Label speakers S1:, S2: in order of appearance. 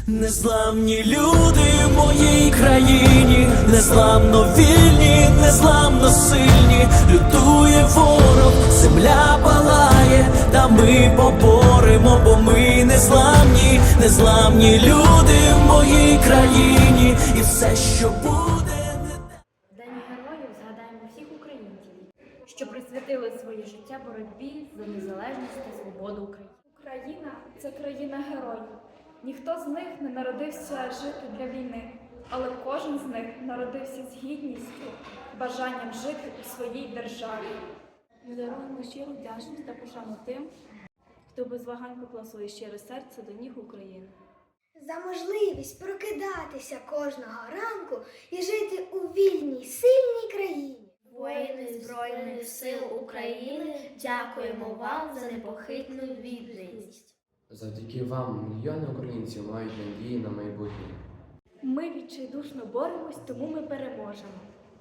S1: Незламні люди в моїй країні, незламно вільні, незламно сильні. Лютує ворог, земля палає, та ми поборемо, бо ми незламні. Незламні люди в моїй країні, і все, що буде.
S2: В День героїв згадаємо всіх українців, що присвятили своє життя боротьбі за незалежність та свободу України.
S3: Україна – це країна героїв. Ніхто з них не народився жити для війни, але кожен з них народився з гідністю, бажанням жити у своїй державі.
S4: Ми даруємо щиру вдячність та пошану тим, хто без вагань поклав своє щире серце до ніг України.
S5: За можливість прокидатися кожного ранку і жити у вільній, сильній країні.
S6: Воїни Збройних сил України, дякуємо вам за непохитну відданість.
S7: Завдяки вам мільйони українців мають надії на майбутнє.
S3: Ми відчайдушно боремось, тому ми переможемо.